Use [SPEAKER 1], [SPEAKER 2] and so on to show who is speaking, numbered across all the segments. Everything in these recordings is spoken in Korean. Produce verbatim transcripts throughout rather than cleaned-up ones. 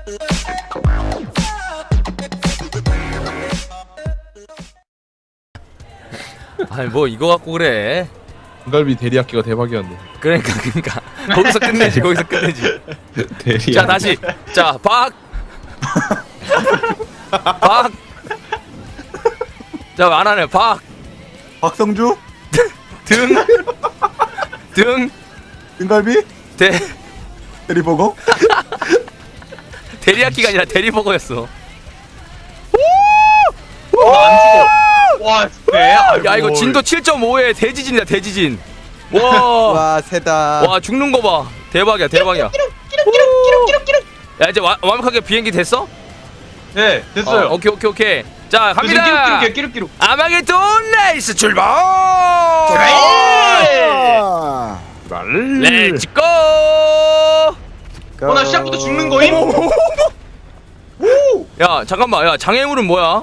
[SPEAKER 1] 아니 뭐 이거 갖고 그래.
[SPEAKER 2] 등갈비 대리야끼가 대박이었네.
[SPEAKER 1] 그러니까 그러니까 거기서 끝내지 거기서 끝내지.
[SPEAKER 2] 대리야.
[SPEAKER 1] 자 다시 자 박. 박. 자 안 하네 박.
[SPEAKER 3] 박성주?
[SPEAKER 1] 등. 등.
[SPEAKER 3] 등갈비?
[SPEAKER 1] 대.
[SPEAKER 3] 대리버거?
[SPEAKER 1] 대리야끼가 아니라 대리버거였어.
[SPEAKER 4] 안 죽어. 와, 네.
[SPEAKER 1] 야 이거 진도 칠 점 오에 대지진이다 대지진. 와.
[SPEAKER 3] 와 세다.
[SPEAKER 1] 와 죽는 거 봐. 대박이야 대박이야. 야 이제 와, 완벽하게 비행기 됐어?
[SPEAKER 4] 네, 됐어요.
[SPEAKER 1] 어, 오케이 오케이 오케이. 자 갑니다.
[SPEAKER 4] 끼룩끼룩 끼룩끼룩.
[SPEAKER 1] 아마겟돈 레이스 출발. 렛츠고.
[SPEAKER 4] 어, 나 시작부터 죽는 거임?
[SPEAKER 1] 야 잠깐만 야 장애물은 뭐야?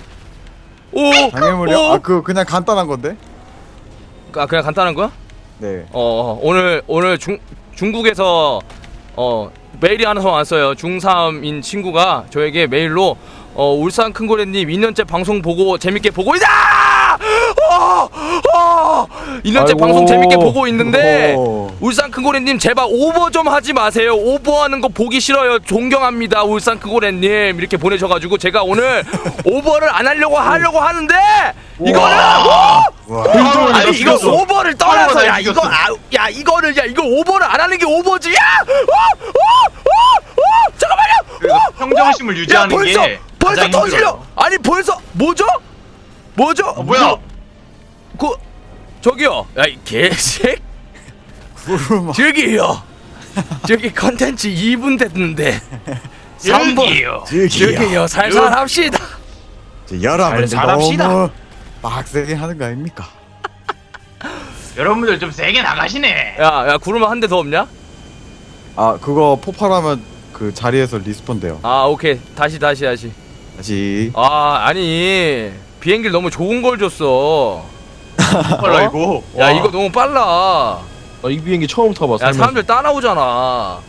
[SPEAKER 1] 오.
[SPEAKER 3] 장애물이요?
[SPEAKER 1] 오.
[SPEAKER 3] 아 그거 그냥 간단한 건데.
[SPEAKER 1] 아 그냥 간단한 거야?
[SPEAKER 3] 네.
[SPEAKER 1] 어, 어 오늘 오늘 중 중국에서 어 메일이 하나 왔어요. 중삼인 친구가 저에게 메일로 어 울산 큰고래님 이 년째 방송 보고 재밌게 보고 있다. 어, 어, 이 년째
[SPEAKER 3] 아이고.
[SPEAKER 1] 방송 재밌게 보고 있는데
[SPEAKER 3] 오.
[SPEAKER 1] 울산 큰고래님 제발 오버 좀 하지 마세요. 오버하는 거 보기 싫어요. 존경합니다. 울산 큰고래님 이렇게 보내셔가지고 제가 오늘 오버를 안 하려고 하려고 하는데 이거는
[SPEAKER 3] 와.
[SPEAKER 1] 아니 이거 오버를 떠나서 야
[SPEAKER 4] 이겼어.
[SPEAKER 1] 이거 아, 야 이거를 야 이거 오버를 안 하는 게 오버지. 야! 어! 어! 어! 어! 잠깐만요.
[SPEAKER 4] 그래서 평정심을 유지하는
[SPEAKER 1] 야, 벌써
[SPEAKER 4] 게
[SPEAKER 1] 벌써
[SPEAKER 4] 가장
[SPEAKER 1] 터지려.
[SPEAKER 4] 힘들어요.
[SPEAKER 1] 아니 벌써 뭐죠? 뭐죠?
[SPEAKER 4] 어, 뭐야?
[SPEAKER 1] 그 저기요. 야 이 개색.
[SPEAKER 3] 구름.
[SPEAKER 1] 저기요. 저기 컨텐츠 이 분 됐는데 삼 분.
[SPEAKER 4] 여기요.
[SPEAKER 1] 저기요. 살살 합시다.
[SPEAKER 3] 여러분
[SPEAKER 4] 잘합시다.
[SPEAKER 3] 너무 빡세게 하는 거 아닙니까?
[SPEAKER 4] 여러분들 좀 세게 나가시네.
[SPEAKER 1] 야, 야 구르마 한 대 더 없냐?
[SPEAKER 3] 아 그거 폭발하면 그 자리에서 리스폰 돼요.
[SPEAKER 1] 아, 오케이. 다시 다시 다시.
[SPEAKER 3] 다시.
[SPEAKER 1] 아, 아니. 비행기를 너무 좋은 걸 줬어.
[SPEAKER 4] 빨라 이거.
[SPEAKER 1] 야,
[SPEAKER 4] 와.
[SPEAKER 1] 이거 너무 빨라.
[SPEAKER 2] 나 이 비행기 처음 타봐.
[SPEAKER 1] 야,
[SPEAKER 2] 살면서.
[SPEAKER 1] 사람들 따라오잖아.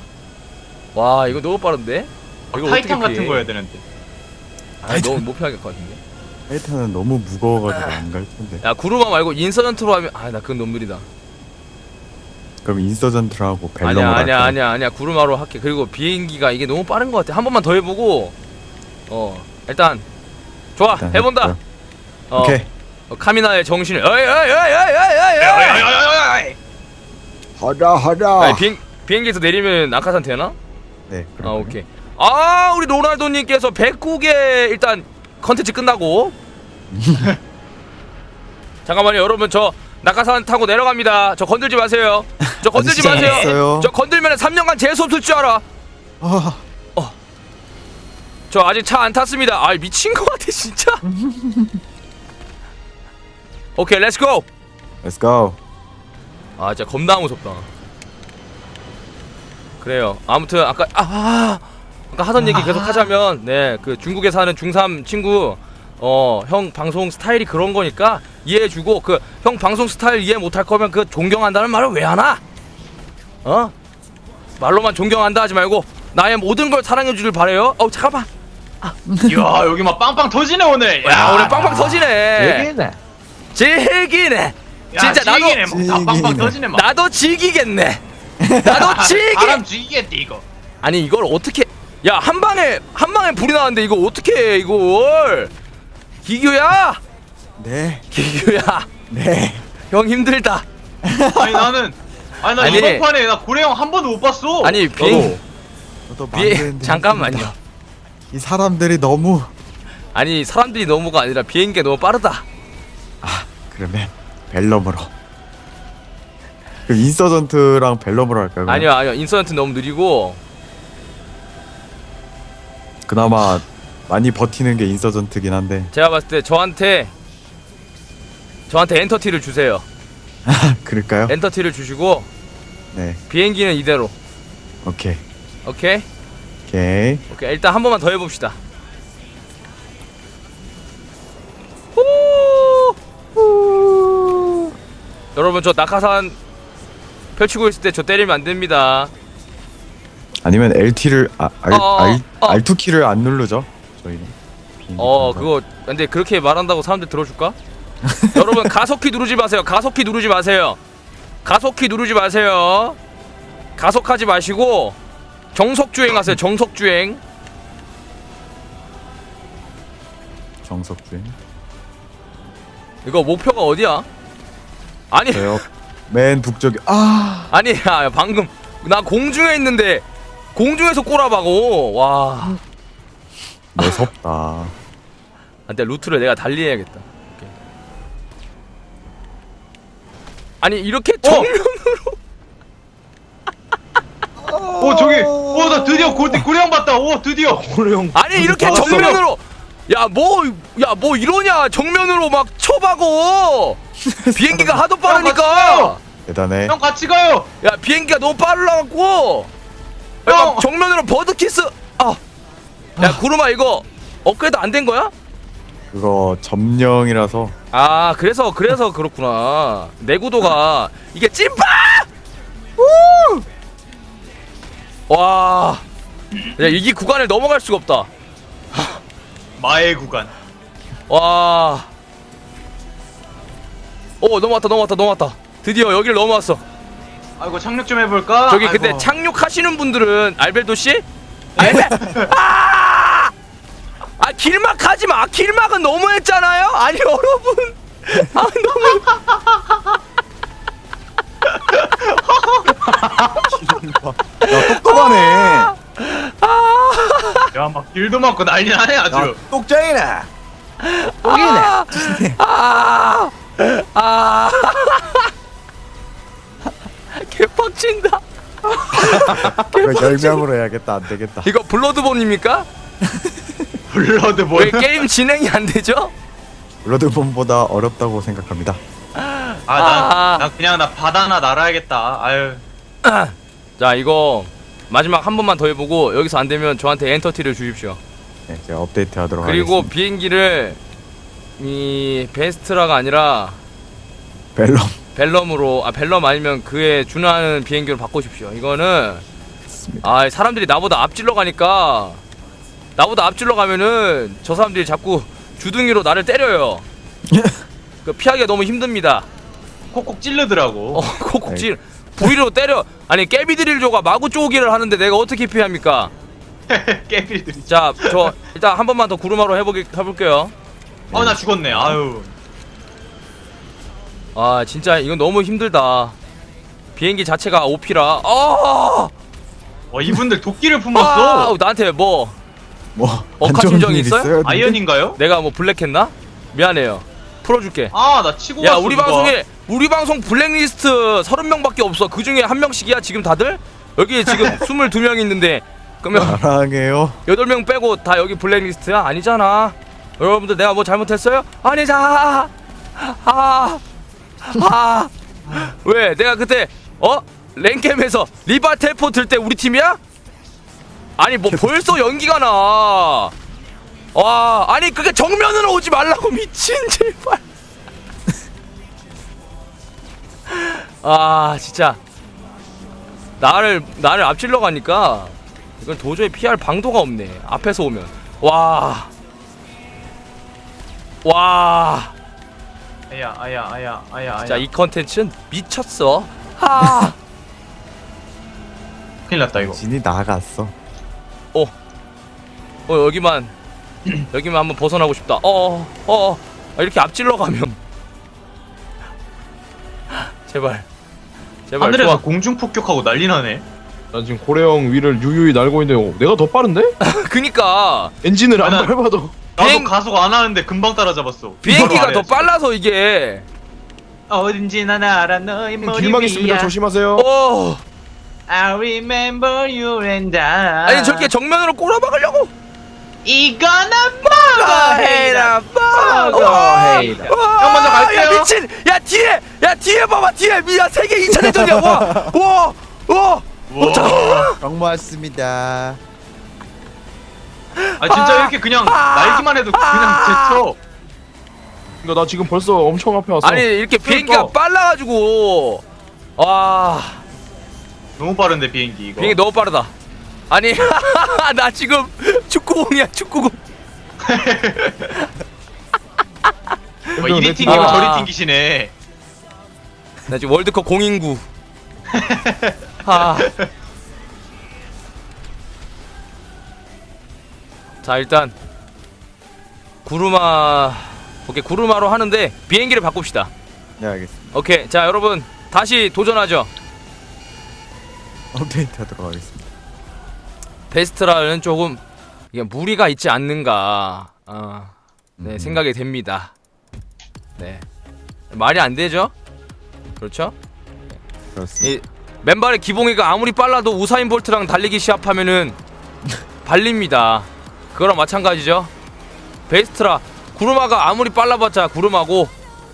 [SPEAKER 1] 와, 이거 너무 빠른데? 이거
[SPEAKER 4] 타이탄
[SPEAKER 1] 어떻게
[SPEAKER 4] 같은
[SPEAKER 1] 피해?
[SPEAKER 4] 거 해야 되는데.
[SPEAKER 1] 아, 너무 못 피할 것 같은데.
[SPEAKER 3] 타이탄은 너무 무거워가지고 안 갈 텐데.
[SPEAKER 1] 야, 구르마 말고 인서전트로 하면 아, 나 그건 너무 느리다.
[SPEAKER 3] 그럼 인서전트라고 벨럼을
[SPEAKER 1] 아니야, 아니야,
[SPEAKER 3] 할까요?
[SPEAKER 1] 아니야, 아니야. 구르마로 할게. 그리고 비행기가 이게 너무 빠른 것 같아. 한 번만 더 해보고. 어, 일단 좋아,
[SPEAKER 3] 일단
[SPEAKER 1] 해본다.
[SPEAKER 3] 해볼까요?
[SPEAKER 1] 어,
[SPEAKER 3] 오케이.
[SPEAKER 1] 어, 카미나의 정신을. 어이, 어이, 어이, 어이, 어이, 어이, 어이.
[SPEAKER 3] 하자 하자.
[SPEAKER 1] 아니, 비행 비행기에서 내리면 낙하산 되나?
[SPEAKER 3] 네.
[SPEAKER 1] 아,
[SPEAKER 3] 그럼.
[SPEAKER 1] 오케이. 아, 우리 로날도님께서 백구 개 일단 컨텐츠 끝나고. 잠깐만요, 여러분 저 낙하산 타고 내려갑니다. 저 건들지 마세요. 저 건들지
[SPEAKER 3] 아직
[SPEAKER 1] 마세요.
[SPEAKER 3] 시작했어요.
[SPEAKER 1] 저 건들면 삼 년간 재수 없을 줄 알아.
[SPEAKER 3] 아,
[SPEAKER 1] 저 아직 차 안 탔습니다. 아, 미친 거 같아 진짜. 오케이, 렛츠 고.
[SPEAKER 3] let's go.
[SPEAKER 1] 아, 진짜 겁나 무섭다. 그래요. 아무튼 아까 아, 아 아까 하던 얘기 계속 하자면 네, 그 중국에 사는 중삼 친구 어, 형 방송 스타일이 그런 거니까 이해해주고 그 형 방송 스타일 이해 못할 거면 그 존경한다는 말을 왜 하나? 어? 말로만 존경한다 하지 말고 나의 모든 걸 사랑해주길 바래요. 어, 잠깐만.
[SPEAKER 4] 이야, 여기 막 빵빵 터지네 오늘.
[SPEAKER 1] 야, 오늘 빵빵 터지네.
[SPEAKER 2] 얘기네.
[SPEAKER 1] 즐기네.
[SPEAKER 4] 야,
[SPEAKER 1] 진짜 나도
[SPEAKER 4] 지기네, 막. 다 빵빵
[SPEAKER 3] 지기네.
[SPEAKER 4] 터지네 막.
[SPEAKER 1] 나도 즐기겠네. 나도 즐기.
[SPEAKER 4] 사람 죽이겠대 이거.
[SPEAKER 1] 아니 이걸 어떻게? 야, 한 방에 한 방에 불이 나는데 이거 어떻게 해 이걸? 기규야,
[SPEAKER 3] 네.
[SPEAKER 1] 기규야,
[SPEAKER 3] 네.
[SPEAKER 1] 형 힘들다.
[SPEAKER 4] 아니 나는 아니 나
[SPEAKER 1] 아니.
[SPEAKER 4] 이번 판에 나 고래 형 한 번도 못 봤어.
[SPEAKER 1] 아니 비행
[SPEAKER 3] 저도
[SPEAKER 1] 비행
[SPEAKER 3] 만드는데
[SPEAKER 1] 잠깐만요.
[SPEAKER 3] 힘듭니다. 이 사람들이 너무.
[SPEAKER 1] 아니 사람들이 너무가 아니라 비행기가 너무 빠르다.
[SPEAKER 3] 아 그러면 벨럼으로. 그럼 인서전트랑 벨럼으로 할까요? 그럼?
[SPEAKER 1] 아니요 아니요 인서전트 너무 느리고.
[SPEAKER 3] 그나마 많이 버티는 게 인서전트긴 한데.
[SPEAKER 1] 제가 봤을 때 저한테 저한테 엔터티를 주세요.
[SPEAKER 3] 그럴까요?
[SPEAKER 1] 엔터티를 주시고
[SPEAKER 3] 네.
[SPEAKER 1] 비행기는 이대로.
[SPEAKER 3] 오케이.
[SPEAKER 1] 오케이
[SPEAKER 3] 오케이.
[SPEAKER 1] 오케이 일단 한 번만 더 해봅시다. 여러분 저 낙하산 펼치고 있을 때 저 때리면 안 됩니다.
[SPEAKER 3] 아니면 엘티를 아, 알,
[SPEAKER 1] 어,
[SPEAKER 3] 알,
[SPEAKER 1] 어.
[SPEAKER 3] 알투 키를 안 누르죠 저희는. 비행기
[SPEAKER 1] 어
[SPEAKER 3] 타면서.
[SPEAKER 1] 그거 근데 그렇게 말한다고 사람들 들어줄까? 여러분 가속키 누르지 마세요. 가속키 누르지 마세요. 가속키 누르지 마세요. 가속하지 마시고 정석주행 하세요. 정석주행.
[SPEAKER 3] 정석주행.
[SPEAKER 1] 이거 목표가 어디야? 아니
[SPEAKER 3] 저요 맨 북쪽에 아
[SPEAKER 1] 아니 야 방금 나 공중에 있는데 공중에서 꼬라박고 와.
[SPEAKER 3] 무섭다.
[SPEAKER 1] 근데 루트를 내가 달리 해야겠다. 오케이. 아니 이렇게 정면으로
[SPEAKER 4] 오 저기 오 나 드디어 고, 고래형 봤다. 오 드디어.
[SPEAKER 2] 고래형.
[SPEAKER 1] 아니 이렇게
[SPEAKER 4] 왔어.
[SPEAKER 1] 정면으로 야 뭐 야 뭐 이러냐 정면으로 막 쳐박어. 비행기가 하도 빠르니까
[SPEAKER 3] 대단해.
[SPEAKER 4] 형 같이 가요.
[SPEAKER 1] 야 비행기가 너무 빨라갖고 야,
[SPEAKER 4] 형.
[SPEAKER 1] 막 정면으로 버드키스 아야 구름아 이거 업그레이드 안 된 거야?
[SPEAKER 3] 그거 점령이라서.
[SPEAKER 1] 아 그래서 그래서 그렇구나. 내구도가 이게 찐빠 와 야, 이 구간을 넘어갈 수가 없다.
[SPEAKER 4] 마의 구간.
[SPEAKER 1] 와. 오 넘어왔다 넘어왔다 넘어왔다. 드디어 여기를 넘어왔어.
[SPEAKER 4] 아이고 착륙 좀 해볼까?
[SPEAKER 1] 저기
[SPEAKER 4] 아이고.
[SPEAKER 1] 근데 착륙하시는 분들은 알벨도 씨? 알벨 아! 아 길막 하지 마. 길막은 너무했잖아요. 아니 여러분. 아 너무.
[SPEAKER 3] 야 똑똑하네.
[SPEAKER 4] 야막 길도 막고 난리 나네 아주.
[SPEAKER 3] 똑장이네.
[SPEAKER 1] 아, 아, 아, 개빡친다.
[SPEAKER 3] 이거 열명으로 해야겠다. 안 되겠다.
[SPEAKER 1] 이거 블러드본입니까?
[SPEAKER 4] 블러드
[SPEAKER 1] 왜
[SPEAKER 4] 볼.
[SPEAKER 1] 게임 진행이 안 되죠?
[SPEAKER 3] 블러드본보다 어렵다고 생각합니다.
[SPEAKER 4] 아난
[SPEAKER 1] 아.
[SPEAKER 4] 난 그냥 나 바다나 날아야겠다. 아유.
[SPEAKER 1] 자 이거 마지막 한 번만 더 해보고 여기서 안 되면 저한테 엔터티를 주십시오.
[SPEAKER 3] 네, 제가 업데이트 하도록
[SPEAKER 1] 그리고
[SPEAKER 3] 하겠습니다.
[SPEAKER 1] 비행기를 이 베스트라가 아니라
[SPEAKER 3] 벨럼.
[SPEAKER 1] 벨럼으로 아 벨럼 아니면 그에 준하는 비행기로 바꾸십시오. 이거는 아 사람들이 나보다 앞질러 가니까 나보다 앞질러 가면은 저 사람들이 자꾸 주둥이로 나를 때려요. 그 피하기가 너무 힘듭니다.
[SPEAKER 4] 콕콕 찔르더라고.
[SPEAKER 1] 어 콕콕질 부위로 때려. 아니 깨비드릴조가 마구 쪼기를 하는데 내가 어떻게 피합니까?
[SPEAKER 4] 깨빌들이.
[SPEAKER 1] 자 저 일단 한 번만 더 구루마로 해보기 해볼게요.
[SPEAKER 4] 어나 죽었네. 아유.
[SPEAKER 1] 아 진짜 이건 너무 힘들다. 비행기 자체가 오피라. 아,
[SPEAKER 4] 어 이분들 도끼를
[SPEAKER 1] 아
[SPEAKER 4] 품었어.
[SPEAKER 1] 나한테 뭐
[SPEAKER 3] 뭐
[SPEAKER 1] 억하
[SPEAKER 3] 안 좋은
[SPEAKER 1] 심정이
[SPEAKER 3] 일
[SPEAKER 1] 있어요?
[SPEAKER 3] 있어요? 근데?
[SPEAKER 4] 아이언인가요?
[SPEAKER 1] 내가 뭐 블랙했나? 미안해요. 풀어줄게.
[SPEAKER 4] 아 나 치고
[SPEAKER 1] 야
[SPEAKER 4] 갔어.
[SPEAKER 1] 우리
[SPEAKER 4] 누가.
[SPEAKER 1] 방송에 우리 방송 블랙리스트 서른 명밖에 없어. 그 중에 한 명씩이야 지금 다들? 여기 지금 스물두 명 있는데 그러면
[SPEAKER 3] 사랑해요.
[SPEAKER 1] 여덟 명 빼고 다 여기 블랙리스트야? 아니잖아. 여러분들 내가 뭐 잘못했어요? 아니잖아. 아, 아, 왜 내가 그때 어 랭겜에서 리바 텔포 들 때 우리 팀이야? 아니 뭐 벌써 연기가 나. 와 아니 그게 정면으로 오지 말라고 미친 제발. 아 진짜 나를 나를 앞질러 가니까 이건 도저히 피할 방도가 없네. 앞에서 오면 와. 와
[SPEAKER 4] 아야 아야 아야 아야
[SPEAKER 1] 진짜
[SPEAKER 4] 아야.
[SPEAKER 1] 이 컨텐츠는 미쳤어. 아.
[SPEAKER 4] 큰일 났다 이거.
[SPEAKER 3] 진이 나갔어.
[SPEAKER 1] 어. 어 여기만 여기만 한번 벗어나고 싶다. 어. 어. 어. 아, 이렇게 앞질러 가면 제발. 제발.
[SPEAKER 4] 하늘에서
[SPEAKER 1] 좋아.
[SPEAKER 4] 공중 폭격하고 난리 나네.
[SPEAKER 2] 난 지금 고래형 위를 유유히 날고 있는데 어, 내가 더 빠른데?
[SPEAKER 1] 그니까
[SPEAKER 2] 엔진을 안
[SPEAKER 4] 아, 난-
[SPEAKER 2] 밟아도.
[SPEAKER 4] 나도
[SPEAKER 1] 비행-
[SPEAKER 4] 가속 안 하는데 금방 따라잡았어.
[SPEAKER 1] 비행기가
[SPEAKER 4] 바로
[SPEAKER 1] 더
[SPEAKER 4] 아래야,
[SPEAKER 1] 빨라서 이게.
[SPEAKER 4] 어딘지 난 알아 너의 머리
[SPEAKER 2] 길막 있습니다.
[SPEAKER 4] 위야.
[SPEAKER 2] 조심하세요.
[SPEAKER 1] 어.
[SPEAKER 4] I remember you and I.
[SPEAKER 1] 아니 저렇게 정면으로 꼬라박으려고.
[SPEAKER 4] 이거는 뭐가 해라 뭐가 해라. 형 먼저 갈게요.
[SPEAKER 1] 야 미친. 야 뒤에. 야 뒤에 봐봐 뒤에. 야 세계 이 차 대전이야. 와. 와. 와.
[SPEAKER 4] 와.
[SPEAKER 3] 고맙습니다.
[SPEAKER 4] 아 진짜 이렇게 그냥 날기만 해도 그냥 제쳐.
[SPEAKER 2] 그러니까 나 지금 벌써 엄청 앞에 왔어.
[SPEAKER 1] 아니 이렇게 비행기가
[SPEAKER 4] 그러니까.
[SPEAKER 1] 빨라가지고 와
[SPEAKER 4] 너무 빠른데 비행기 이거.
[SPEAKER 1] 비행기 너무 빠르다. 아니 나 지금 축구공이야 축구공.
[SPEAKER 4] 뭐 이리 튕기면
[SPEAKER 1] 아.
[SPEAKER 4] 저리 튕기시네.
[SPEAKER 1] 나 지금 월드컵 공인구. 아. 자 일단 구르마 오케이 구르마로 하는데 비행기를 바꿉시다.
[SPEAKER 3] 네 알겠습니다.
[SPEAKER 1] 오케이 자 여러분 다시 도전하죠.
[SPEAKER 3] 업데이트 하도록 하겠습니다.
[SPEAKER 1] 베스트라는 조금 이게 무리가 있지 않는가 어, 네
[SPEAKER 3] 음.
[SPEAKER 1] 생각이 됩니다. 네 말이 안 되죠? 그렇죠?
[SPEAKER 3] 그렇습니다.
[SPEAKER 1] 이 맨발의 기봉이가 아무리 빨라도 우사인 볼트랑 달리기 시합하면은 발립니다. 그거랑 마찬가지죠. 베스트라 구르마가 아무리 빨라봤자 구르마고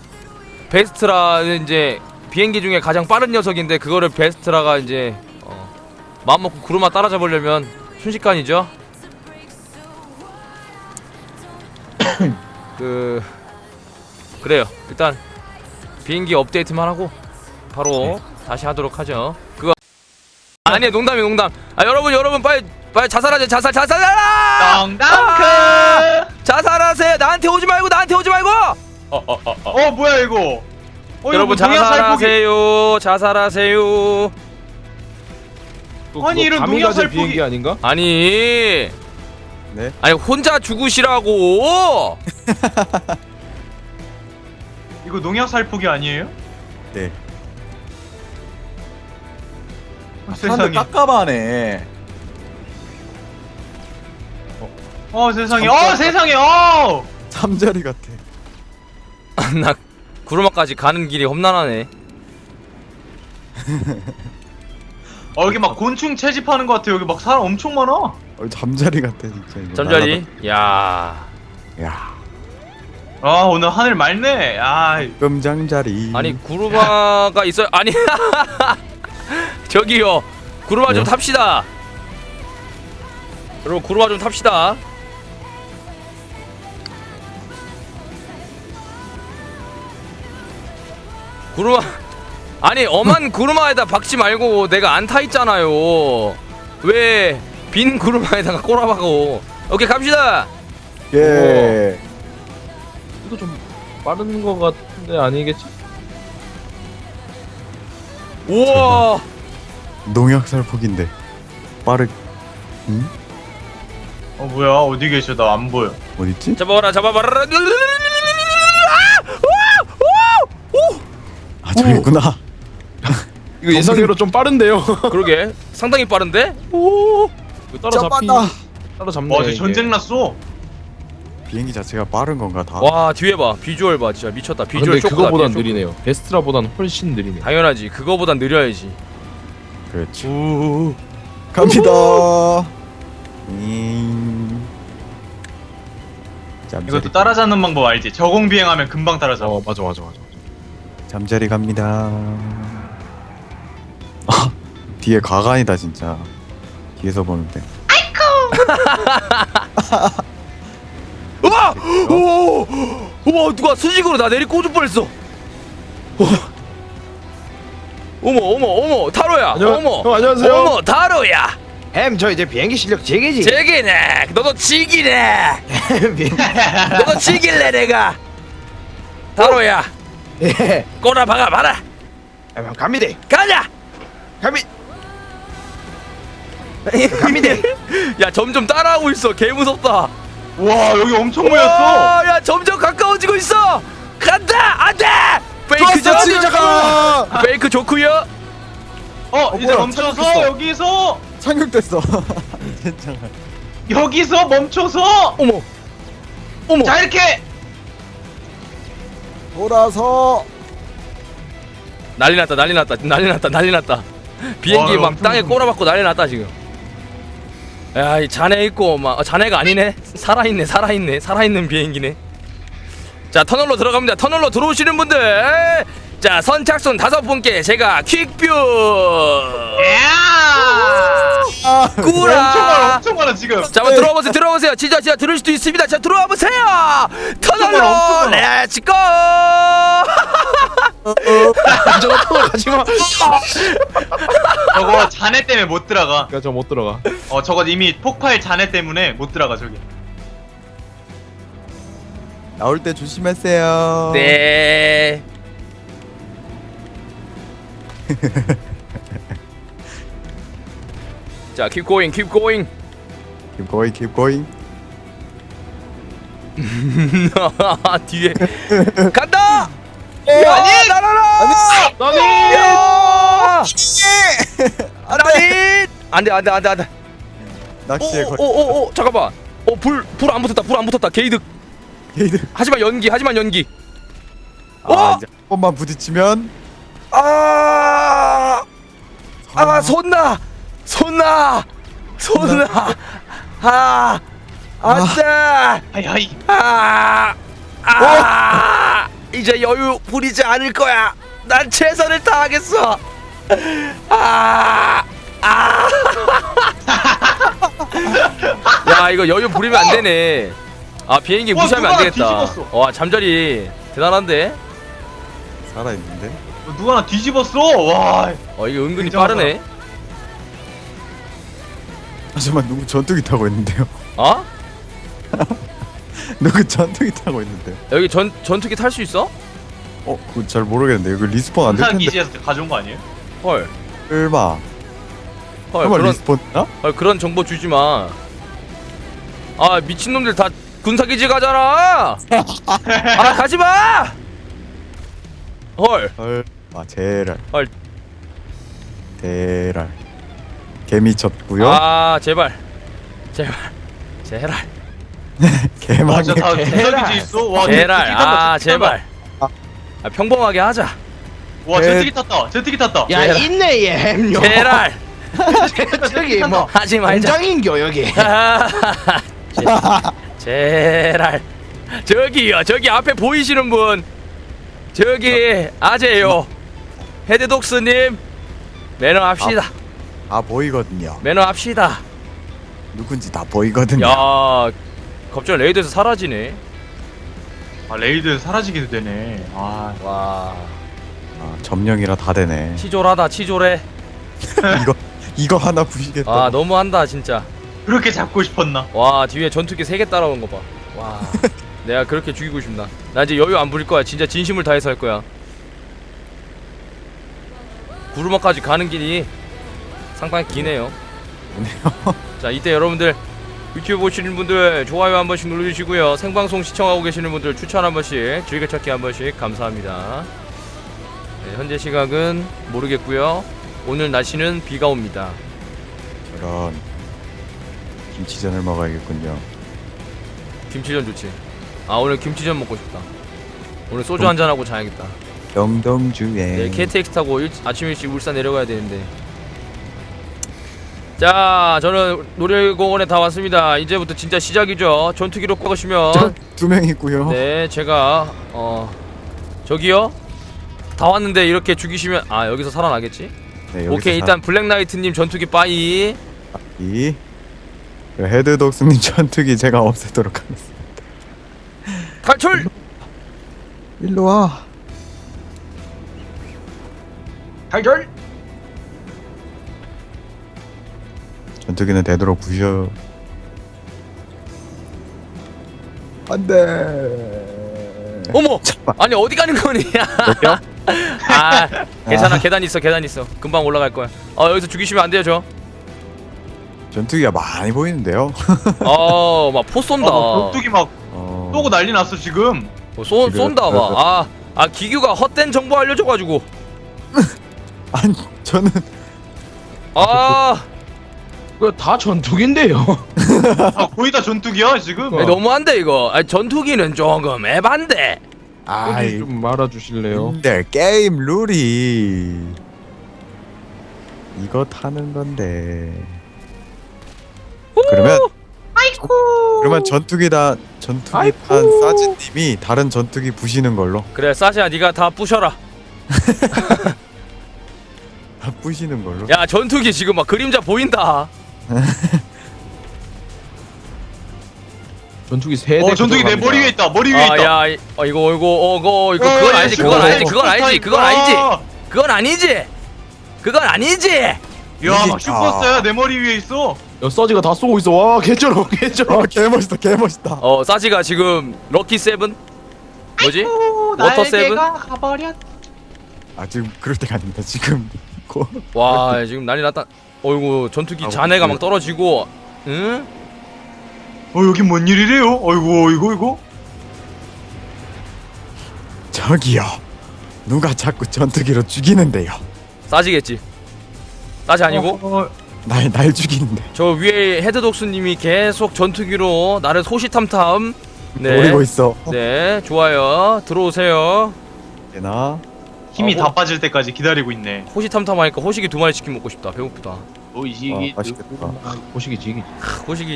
[SPEAKER 1] 베스트라는 이제 비행기 중에 가장 빠른 녀석인데 그거를 베스트라가 이제 어, 마음먹고 구르마 따라잡으려면 순식간이죠. 그 그래요. 일단 비행기 업데이트만 하고 바로
[SPEAKER 3] 네.
[SPEAKER 1] 다시 하도록 하죠. 그거 아니야 농담이 농담. 아 여러분 여러분 빨리 빨리 자살하자 자살 자살하라.
[SPEAKER 4] 덩덩크.
[SPEAKER 1] 자살하세요. 나한테 오지 말고 나한테 오지 말고.
[SPEAKER 4] 어 뭐야 이거? 어,
[SPEAKER 1] 여러분
[SPEAKER 4] 이거 동양 살포기.
[SPEAKER 1] 자살하세요. 자살하세요.
[SPEAKER 4] 아니, 이런
[SPEAKER 2] 감이
[SPEAKER 4] 농약
[SPEAKER 2] 가진
[SPEAKER 4] 살포기-
[SPEAKER 2] 비행기 아닌가?
[SPEAKER 1] 아니
[SPEAKER 3] 네.
[SPEAKER 1] 아니 혼자 죽으시라고.
[SPEAKER 4] 이거 농약 살포기 아니에요?
[SPEAKER 3] 네.
[SPEAKER 4] 어,
[SPEAKER 3] 사람들
[SPEAKER 4] 세상에.
[SPEAKER 3] 깜깜하네.
[SPEAKER 4] 어 세상에.
[SPEAKER 3] 잠깐.
[SPEAKER 4] 어 세상에. 어.
[SPEAKER 3] 잠자리 같아.
[SPEAKER 1] 나 구르마까지 가는 길이 험난하네.
[SPEAKER 4] 어 여기 막 곤충 채집하는 것 같아. 여기 막 사람 엄청 많아.
[SPEAKER 3] 어, 잠자리 같아 진짜. 이거
[SPEAKER 1] 잠자리. 야.
[SPEAKER 3] 날아다- 야.
[SPEAKER 4] 아 오늘 하늘 맑네. 아
[SPEAKER 3] 금장자리.
[SPEAKER 1] 아니 구르마가 있어요. 아니 저기요. 구르마 좀
[SPEAKER 3] 네?
[SPEAKER 1] 탑시다. 여러분 구르마 좀 탑시다. 구르마 아니 엄한 구르마에다 박지 말고 내가 안 타 있잖아요. 왜 빈 구르마에다가 꼬라박고. 오케이 갑시다.
[SPEAKER 3] 예.
[SPEAKER 2] 이거 좀 빠른 거 같은데 아니겠지?
[SPEAKER 1] 우와
[SPEAKER 3] 농약 살폭인데 빠르. 응?
[SPEAKER 4] 어 뭐야 어디 계셔? 나 안 보여.
[SPEAKER 3] 어딨지?
[SPEAKER 1] 잡아봐라 잡아봐라.
[SPEAKER 3] 아 저기 있구나.
[SPEAKER 2] 이거 예상대로 좀 빠른데요.
[SPEAKER 1] 그러게 상당히 빠른데?
[SPEAKER 2] 오. 이거 따라잡히.
[SPEAKER 3] 잡았다.
[SPEAKER 2] 따라잡네.
[SPEAKER 4] 와 저
[SPEAKER 2] 이게.
[SPEAKER 4] 전쟁 났어.
[SPEAKER 3] 비행기 자체가 빠른 건가 다?
[SPEAKER 1] 와 뒤에 봐 비주얼 봐 진짜 미쳤다
[SPEAKER 2] 아,
[SPEAKER 1] 비주얼
[SPEAKER 2] 근데
[SPEAKER 1] 쇼크다,
[SPEAKER 2] 그거보단
[SPEAKER 1] 비주얼 쇼크.
[SPEAKER 2] 느리네요. 베스트라보단 훨씬 느리네.
[SPEAKER 1] 당연하지 그거보단 느려야지.
[SPEAKER 3] 그렇지.
[SPEAKER 1] 우
[SPEAKER 3] 갑니다. 음. 잠자리.
[SPEAKER 4] 이것도 따라잡는 방법 알지? 저공 비행하면 금방 따라잡아.
[SPEAKER 2] 어 맞아 맞아 맞아.
[SPEAKER 3] 잠자리 갑니다. 아, 뒤에 가관이다 진짜. 뒤에서 보는데.
[SPEAKER 1] 우와 오 우와 누가 수직으로 나 내리 꽂을 뻔했어. 어. 어머 어머 어머 타로야
[SPEAKER 2] 안녕-
[SPEAKER 1] 어머
[SPEAKER 2] 형, 안녕하세요.
[SPEAKER 1] 어머 타로야
[SPEAKER 5] 햄, 저 이제 비행기 실력 제게지.
[SPEAKER 1] 제기네 너도 지기네 너도 지길래 내가 타로야
[SPEAKER 5] 예.
[SPEAKER 1] 꼬라 박아 봐라
[SPEAKER 5] 아, 갑니다.
[SPEAKER 1] 가자.
[SPEAKER 5] 갑니. 갑니다.
[SPEAKER 1] 야 점점 따라하고 있어 개 무섭다.
[SPEAKER 4] 와 여기 엄청 모였어.
[SPEAKER 1] 와, 야 점점 가까워지고 있어. 간다 안돼. 페이크
[SPEAKER 3] 좋았어,
[SPEAKER 1] 죠
[SPEAKER 3] 잠깐만.
[SPEAKER 1] 페이크 좋구요.
[SPEAKER 4] 어 이제
[SPEAKER 3] 뭐야,
[SPEAKER 4] 멈춰서
[SPEAKER 3] 착륙했어.
[SPEAKER 4] 여기서
[SPEAKER 3] 착륙됐어. 괜찮아.
[SPEAKER 4] 여기서 멈춰서.
[SPEAKER 1] 어머 어머
[SPEAKER 4] 자 이렇게.
[SPEAKER 3] 돌아서.
[SPEAKER 1] 난리 났다 난리 났다 난리 났다 난리 났다. 비행기
[SPEAKER 4] 와,
[SPEAKER 1] 막
[SPEAKER 4] 엄청
[SPEAKER 1] 땅에
[SPEAKER 4] 무섭네.
[SPEAKER 1] 꼬라박고 난리 났다 지금. 야, 이 자네 있고 막 어, 자네가 아니네. 살아있네, 살아있네, 살아있는 비행기네. 자, 터널로 들어갑니다. 터널로 들어오시는 분들, 자 선착순 다섯 분께 제가 퀵뷰
[SPEAKER 4] 야.
[SPEAKER 3] 아,
[SPEAKER 1] 꾸라
[SPEAKER 4] 엄청 많아 지금.
[SPEAKER 1] 자, 한번 들어와 보세요. 들어와 보세요. 진짜 진짜 들을 수도 있습니다. 자, 들어와 보세요. 터널로
[SPEAKER 4] 엄청 많아.
[SPEAKER 1] 렛츠고.
[SPEAKER 5] 저거 또 가지마.
[SPEAKER 4] 저거 잔해 때문에 못 들어가.
[SPEAKER 2] 그러니까 저 못 들어가.
[SPEAKER 4] 어 저거 이미 폭발 잔해 때문에 못 들어가 저기.
[SPEAKER 3] 나올 때 조심하세요.
[SPEAKER 1] 네. 자, keep going, keep going.
[SPEAKER 3] Keep going, keep going.
[SPEAKER 1] 뒤에 간다. 아니, 날아라.
[SPEAKER 2] 나니!
[SPEAKER 1] 야! 나니! 안돼 안돼 안돼 안돼.
[SPEAKER 3] 낚시에 걸.
[SPEAKER 1] 오오오오 잠깐만. 어불 불 안 붙었다. 불 안 붙었다. 게이득.
[SPEAKER 3] 게이드.
[SPEAKER 1] 하지만 연기 하지만 연기.
[SPEAKER 3] 아,
[SPEAKER 1] 어?
[SPEAKER 3] 이제 한 번만 부딪히면
[SPEAKER 1] 아. 아 손나 손나 손나. 아 안돼.
[SPEAKER 4] 하이하이.
[SPEAKER 1] 아. 아. 이제 여유 부리지 않을 거야. 난 최선을 다하겠어. 아. 아. 야 이거 여유 부리면 안 되네. 아 비행기
[SPEAKER 4] 와,
[SPEAKER 1] 무시하면 안
[SPEAKER 4] 누가
[SPEAKER 1] 되겠다.
[SPEAKER 4] 뒤집었어.
[SPEAKER 1] 와 잠자리 대단한데.
[SPEAKER 3] 살아 있는데.
[SPEAKER 4] 누가 나 뒤집었어. 와.
[SPEAKER 1] 어 이거 은근히
[SPEAKER 4] 굉장하다.
[SPEAKER 1] 빠르네.
[SPEAKER 3] 하지만 누구 전투기 타고 있는데요?
[SPEAKER 1] 어?
[SPEAKER 3] 누구 전투기 타고 있는데요?
[SPEAKER 1] 여기 전 전투기 탈 수 있어?
[SPEAKER 3] 어, 그거 잘 모르겠는데 여기 리스폰 안 될
[SPEAKER 4] 부산
[SPEAKER 3] 텐데.
[SPEAKER 4] 기지에서 가져온 거 아니에요?
[SPEAKER 1] 헐.
[SPEAKER 3] 설마.
[SPEAKER 1] 헐
[SPEAKER 3] 설마
[SPEAKER 1] 그런
[SPEAKER 3] 리스폰이나?
[SPEAKER 1] 헐 그런 정보 주지 마. 아 미친놈들 다 군사기지 가잖아. 아 가지 마. 헐.
[SPEAKER 3] 헐. 아, 제랄.
[SPEAKER 1] 헐.
[SPEAKER 3] 대랄. 개미 쳤고요.
[SPEAKER 1] 아 제발. 제발. 제발.
[SPEAKER 3] 개망에.
[SPEAKER 4] 진짜 다 부산 기지 있어. 와.
[SPEAKER 1] 제발.
[SPEAKER 4] 제트기 탄다,
[SPEAKER 1] 아
[SPEAKER 4] 제트기 탄다.
[SPEAKER 1] 제발. 아 평범하게 하자.
[SPEAKER 4] 와
[SPEAKER 3] 제-
[SPEAKER 4] 제트기 탔다. 제트기 탔다.
[SPEAKER 5] 야
[SPEAKER 1] 제라.
[SPEAKER 5] 있네 얘 햄요.
[SPEAKER 1] 제발.
[SPEAKER 5] 저기 뭐
[SPEAKER 1] 하지 말자.
[SPEAKER 5] 공장인겨 여기.
[SPEAKER 1] 제랄 저기요 저기 앞에 보이시는 분 저기 아재요 헤드독스님 매너합시다.
[SPEAKER 3] 아, 보이거든요.
[SPEAKER 1] 매너합시다.
[SPEAKER 3] 누군지 다 보이거든요.
[SPEAKER 1] 야 갑자기 레이드에서 사라지네.
[SPEAKER 4] 아 레이드 사라지기도 되네. 아.
[SPEAKER 1] 와
[SPEAKER 3] 아, 점령이라 다 되네.
[SPEAKER 1] 치졸하다 치졸해.
[SPEAKER 3] 이거 이거 하나 부시겠다.
[SPEAKER 1] 아 너무한다 진짜.
[SPEAKER 4] 그렇게 잡고 싶었나?
[SPEAKER 1] 와 뒤에 전투기 세 개 따라오는 거 봐. 와 내가 그렇게 죽이고 싶나. 나 이제 여유 안 부릴 거야. 진짜 진심을 다해서 할 거야. 구르마까지 가는 길이 상당히 기네요. 자 이때 여러분들 유튜브 보시는 분들 좋아요 한 번씩 눌러주시고요. 생방송 시청하고 계시는 분들 추천 한 번씩 즐겨찾기 한 번씩 감사합니다. 네, 현재 시각은 모르겠고요. 오늘 날씨는 비가 옵니다.
[SPEAKER 3] 저런 김치전을 먹어야겠군요.
[SPEAKER 1] 김치전 좋지. 아 오늘 김치전 먹고 싶다. 오늘 소주 한잔 하고 자야겠다.
[SPEAKER 3] 영동주에.
[SPEAKER 1] 네, 케이티엑스 타고 일, 아침 일찍 울산 내려가야 되는데. 자, 저는 놀이공원에 다 왔습니다. 이제부터 진짜 시작이죠. 전투기로 꺾으시면
[SPEAKER 3] 두 명 있고요.
[SPEAKER 1] 네, 제가 어 저기요. 다 왔는데 이렇게 죽이시면 아 여기서 살아나겠지?
[SPEAKER 3] 네, 여기서
[SPEAKER 1] 오케이 일단 블랙나이트님 전투기 빠이.
[SPEAKER 3] 이 헤드독스님 전투기 제가 없애도록 하겠습니다.
[SPEAKER 1] 탈출!
[SPEAKER 3] 일로 와.
[SPEAKER 5] 탈출.
[SPEAKER 3] 전투기는 되도록 부셔. 안돼.
[SPEAKER 1] 어머!
[SPEAKER 3] 잠깐.
[SPEAKER 1] 아니 어디 가는 거냐?
[SPEAKER 3] 여기요?
[SPEAKER 1] 아 괜찮아 계단 있어 계단 있어 금방 올라갈 거야. 어 여기서 죽이시면 안 돼요 저.
[SPEAKER 3] 전투기가 많이 보이는데요.
[SPEAKER 1] 어막 포 쏜다.
[SPEAKER 4] 아, 격투기 막
[SPEAKER 3] 어...
[SPEAKER 4] 쏘고 난리 났어 지금.
[SPEAKER 1] 어, 쏜
[SPEAKER 3] 지금-
[SPEAKER 1] 쏜다 막. 아, 아 기규가 헛된 정보 알려줘가지고.
[SPEAKER 3] 아니 저는
[SPEAKER 1] 아
[SPEAKER 5] 그거 다 전투기인데요.
[SPEAKER 4] 아 거의 다 전투기야 지금.
[SPEAKER 1] 아니, 너무한데 이거. 아니, 전투기는 조금 에반데.
[SPEAKER 2] 여기 좀 말아주실래요?
[SPEAKER 3] 근데 게임 룰이 이거 타는 건데. 그러면 그러면 전투기다 전투기 탄 사진님이 다른 전투기 부시는 걸로.
[SPEAKER 1] 그래 사시야 네가 다 부셔라.
[SPEAKER 3] 다 부시는 걸로.
[SPEAKER 1] 야 전투기 지금 막 그림자 보인다.
[SPEAKER 5] 전투기 세 대.
[SPEAKER 4] 어 전투기 내 머리 위에 있다. 머리 위에 있다.
[SPEAKER 1] 아야 어, 이거 이거 어 이거 이거
[SPEAKER 4] 어,
[SPEAKER 1] 그건
[SPEAKER 4] 야,
[SPEAKER 1] 아니지
[SPEAKER 4] 슈퍼
[SPEAKER 1] 그건
[SPEAKER 4] 타임,
[SPEAKER 1] 아니지 그건
[SPEAKER 4] 슈퍼
[SPEAKER 1] 아니지
[SPEAKER 4] 타임.
[SPEAKER 1] 그건 아니지
[SPEAKER 4] 와.
[SPEAKER 1] 그건 아니지 그건 아니지.
[SPEAKER 4] 야, 막 슈퍼스타야 내 머리 위에 있어.
[SPEAKER 5] 야 서지가 다 쏘고 있어. 와 개쩔어 개쩔어.
[SPEAKER 3] 아 개멋있다 개멋있다.
[SPEAKER 1] 어 사지가 지금 럭키 세븐 뭐지?
[SPEAKER 4] 오,
[SPEAKER 1] 워터 세븐?
[SPEAKER 4] 날개가 가버렸.
[SPEAKER 3] 아 지금 그럴 때가 아닙니다. 지금 고
[SPEAKER 1] 와 지금 난리 났다. 어이구 전투기
[SPEAKER 3] 아,
[SPEAKER 1] 잔해가
[SPEAKER 3] 네.
[SPEAKER 1] 막 떨어지고 응?
[SPEAKER 4] 어 여기 뭔 일이래요? 어이구 이거 이거.
[SPEAKER 3] 저기요. 누가 자꾸 전투기로 죽이는데요.
[SPEAKER 1] 싸지겠지. 싸지 아니고
[SPEAKER 4] 어,
[SPEAKER 3] 날 날 죽이는데.
[SPEAKER 1] 저 위에 헤드독스님이 계속 전투기로 나를 소시탐탐
[SPEAKER 3] 노리고
[SPEAKER 1] 네,
[SPEAKER 3] 있어.
[SPEAKER 1] 네 좋아요 들어오세요.
[SPEAKER 3] 되나?
[SPEAKER 4] 힘이
[SPEAKER 1] 어,
[SPEAKER 4] 다 빠질 때까지 기다리고 있네.
[SPEAKER 1] 호시탐탐 하니까 호식이 두 마리 치킨 먹고 싶다. 배고프다.
[SPEAKER 5] 오이지기.
[SPEAKER 3] 아, 맛있겠다.
[SPEAKER 5] 보시기 지기.
[SPEAKER 1] 크, 호식이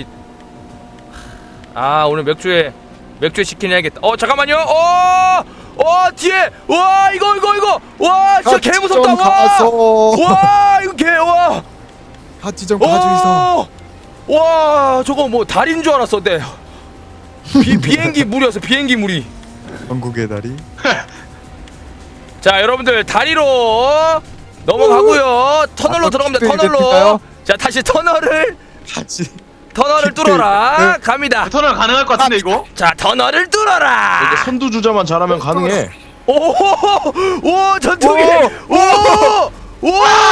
[SPEAKER 1] 아 오늘 맥주에 맥주에 치킨 해야겠다. 어 잠깐만요. 어, 어 뒤에 와 이거 이거 이거 와 진짜 개 무섭다. 와,
[SPEAKER 3] 가서.
[SPEAKER 1] 와 이거 개 와.
[SPEAKER 3] 같이 좀 가주이소.
[SPEAKER 1] 오! 와 저거 뭐 달인 줄 알았어. 네. 비 비행기 물이었어. 비행기 물이.
[SPEAKER 3] 전국의 다리.
[SPEAKER 1] 자 여러분들 다리로 넘어가고요. 터널로
[SPEAKER 3] 아,
[SPEAKER 1] 들어갑니다.
[SPEAKER 3] 킥백이
[SPEAKER 1] 터널로.
[SPEAKER 3] 됐을까요?
[SPEAKER 1] 자 다시 터널을
[SPEAKER 3] 같이.
[SPEAKER 1] 터널을
[SPEAKER 3] 킥백.
[SPEAKER 1] 뚫어라. 갑니다.
[SPEAKER 4] 터널 가능할 것 같은데 이거?
[SPEAKER 1] 자 터널을 뚫어라.
[SPEAKER 5] 이제 선두주자만 잘하면 가능해.
[SPEAKER 1] 오, 오, 전투기, 오, 오, 오,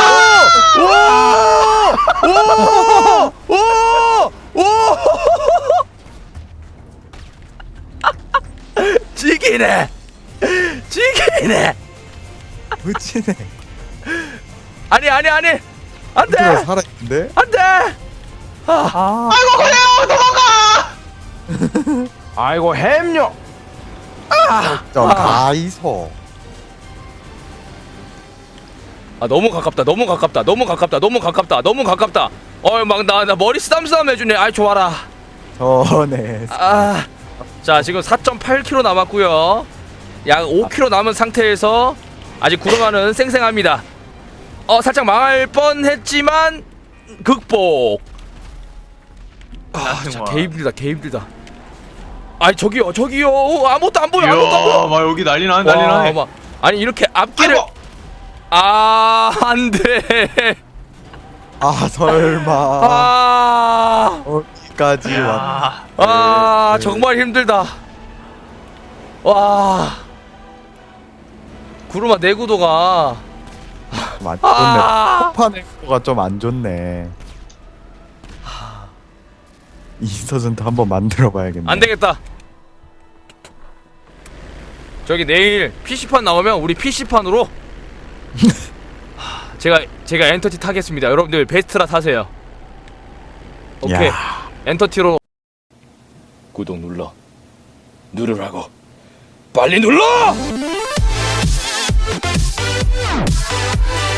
[SPEAKER 1] 오, 오, 오, 지기네, 지기네.
[SPEAKER 3] 멋지네.
[SPEAKER 1] 아니, 아니, 아니, 안 돼,
[SPEAKER 3] 누가 살아있는데?
[SPEAKER 1] 안 돼. 아,
[SPEAKER 4] 아이고 그래요 도망가.
[SPEAKER 5] 아이고 햄요.
[SPEAKER 3] 좀
[SPEAKER 1] 아.
[SPEAKER 3] 가이소.
[SPEAKER 1] 아 너무 가깝다, 너무 가깝다, 너무 가깝다, 너무 가깝다, 너무 가깝다. 어, 막 나 나 머리 쓰담쓰담 해주네. 아이 좋아라.
[SPEAKER 3] 전에
[SPEAKER 1] 아, 자 지금 사 점 팔 킬로미터 남았고요. 약 오 킬로미터 남은 상태에서 아직 구름아는 쌩쌩합니다. 어 살짝 망할 뻔했지만 극복. 아, 자, 개 힘들다, 개 힘들다. 아니 저기요, 저기요, 어, 아무것도 안 보여, 아무것도 안
[SPEAKER 4] 이야,
[SPEAKER 1] 보여.
[SPEAKER 4] 막 여기 난리 나네 난리
[SPEAKER 1] 와,
[SPEAKER 4] 나네.
[SPEAKER 1] 막, 아니 이렇게 앞길을
[SPEAKER 4] 아이고.
[SPEAKER 1] 아 안돼.
[SPEAKER 3] 아 설마
[SPEAKER 1] 아,
[SPEAKER 3] 어디까지 왔?
[SPEAKER 4] 야,
[SPEAKER 1] 아
[SPEAKER 3] 네.
[SPEAKER 1] 정말 힘들다. 와, 구름아 내구도가
[SPEAKER 3] 좀안 좋네.
[SPEAKER 1] 아,
[SPEAKER 3] 폭파 내구도가 좀 안 좋네. 이서전트 한번 만들어봐야겠네.
[SPEAKER 1] 안 되겠다. 저기 내일 피시판 나오면 우리 피시판으로 제가 제가 엔터티 타겠습니다. 여러분들 베스트라 타세요. 오케이.
[SPEAKER 3] 야.
[SPEAKER 1] 엔터티로 구독 눌러 누르라고 빨리 눌러.